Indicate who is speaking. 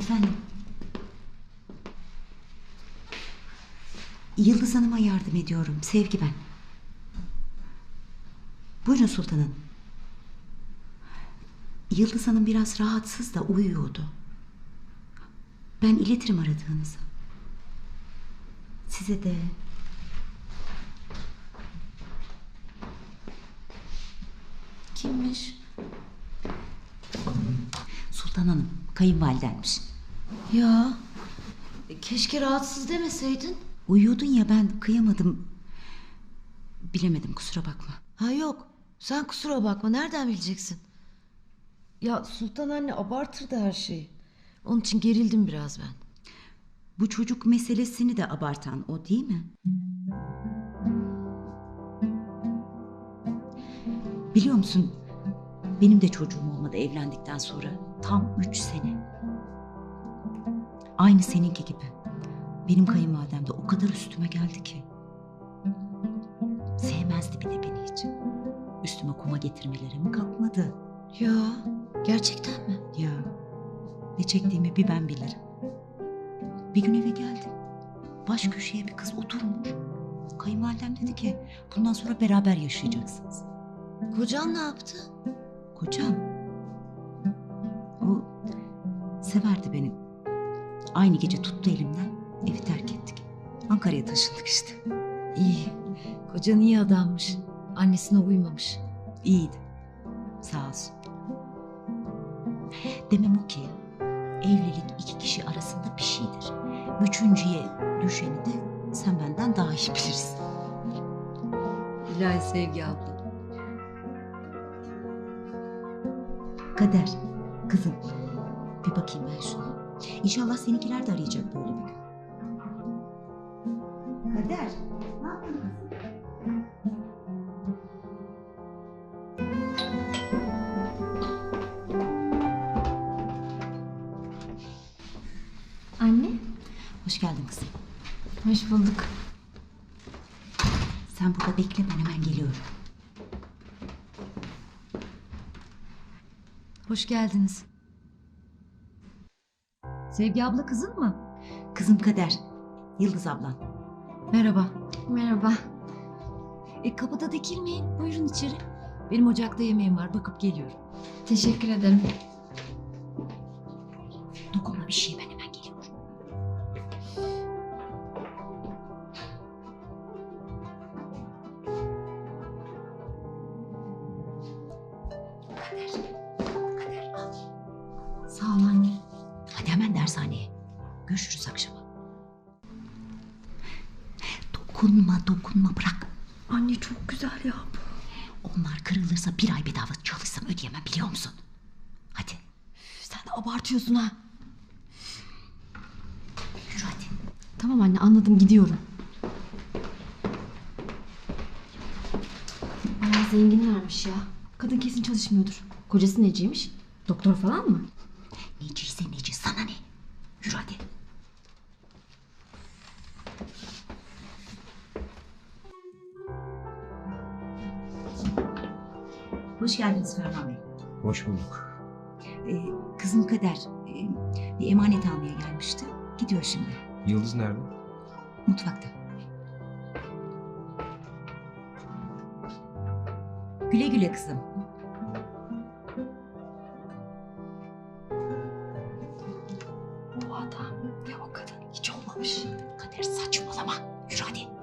Speaker 1: Efendim? Yıldız Hanım'a yardım ediyorum. Sevgi ben. Buyurun Sultan Hanım. Yıldız Hanım biraz rahatsız da uyuyordu. Ben iletirim aradığınızı. Size de.
Speaker 2: Kimmiş?
Speaker 1: Sultan Hanım, kayınvalidenmiş.
Speaker 2: Ya keşke rahatsız demeseydin.
Speaker 1: Uyuyordun ya, ben kıyamadım. Bilemedim, kusura bakma.
Speaker 2: Ha yok, sen kusura bakma, nereden bileceksin? Ya Sultan anne abartırdı her şeyi. Onun için gerildim biraz ben.
Speaker 1: Bu çocuk meselesini de abartan o değil mi? Biliyor musun, benim de çocuğum olmadı evlendikten sonra. Tam 3 sene. Aynı seninki gibi. Benim kayınvalidem de o kadar üstüme geldi ki. Sevmezdi bir de beni hiç. Üstüme kuma getirmelere mi kalkmadı?
Speaker 2: Ya gerçekten mi?
Speaker 1: Ya ne çektiğimi bir ben bilirim. Bir gün eve geldim. Baş köşeye bir kız oturmuş. Kayınvalidem dedi ki bundan sonra beraber yaşayacaksınız.
Speaker 2: Kocan ne yaptı?
Speaker 1: Kocam, o severdi beni. Aynı gece tuttu elimden, evi terk ettik. Ankara'ya taşındık işte.
Speaker 2: İyi, kocan iyi adammış. Annesine uymamış.
Speaker 1: İyiydi, sağ olsun. Demem o ki, evlilik iki kişi arasında bir şeydir. Üçüncüye düşeni de sen benden daha iyi bilirsin.
Speaker 2: İlahi Sevgi abla.
Speaker 1: Kader, kızım, bir bakayım ben şuna. İnşallah seninkiler de arayacak böyle bir gün. Kader, ne yapıyorsun kızım?
Speaker 3: Anne,
Speaker 1: Hoş geldin kızım.
Speaker 3: hoş bulduk.
Speaker 1: Sen burada bekle, ben hemen geliyorum.
Speaker 2: Hoş geldiniz. Sevgi abla kızın mı?
Speaker 1: Kızım Kader, Yıldız ablan.
Speaker 2: Merhaba.
Speaker 3: Merhaba.
Speaker 2: Kapıda dikilmeyin. Buyurun içeri. Benim ocakta yemeğim var. Bakıp geliyorum.
Speaker 3: Teşekkür ederim.
Speaker 1: Dokunma bir şey, ben hemen geliyorum. Kader, Kader al.
Speaker 3: Sağ ol anne.
Speaker 1: Hadi hemen dershaneye. Görüşürüz akşama. Dokunma bırak.
Speaker 3: Anne çok güzel ya bu.
Speaker 1: Onlar kırılırsa bir ay bedava çalışsam ödeyemem, biliyor musun? Hadi
Speaker 3: Sen de abartıyorsun ha.
Speaker 1: yürü hadi.
Speaker 3: Tamam anne, anladım, gidiyorum. Bayağı zenginlermiş ya. Kadın kesin çalışmıyordur. Kocası neciymiş? Doktor falan mı?
Speaker 1: Neciyse neci, sana ne? Yürü hadi. Hoş geldiniz Ferman Bey.
Speaker 4: Hoş bulduk.
Speaker 1: Kızım Kader bir emanet almaya gelmişti. Gidiyor şimdi.
Speaker 4: Yıldız nerede?
Speaker 1: Mutfakta. Güle güle kızım. Bu adam ve o kadın hiç olmamış. Kader saçmalama. Yürü hadi.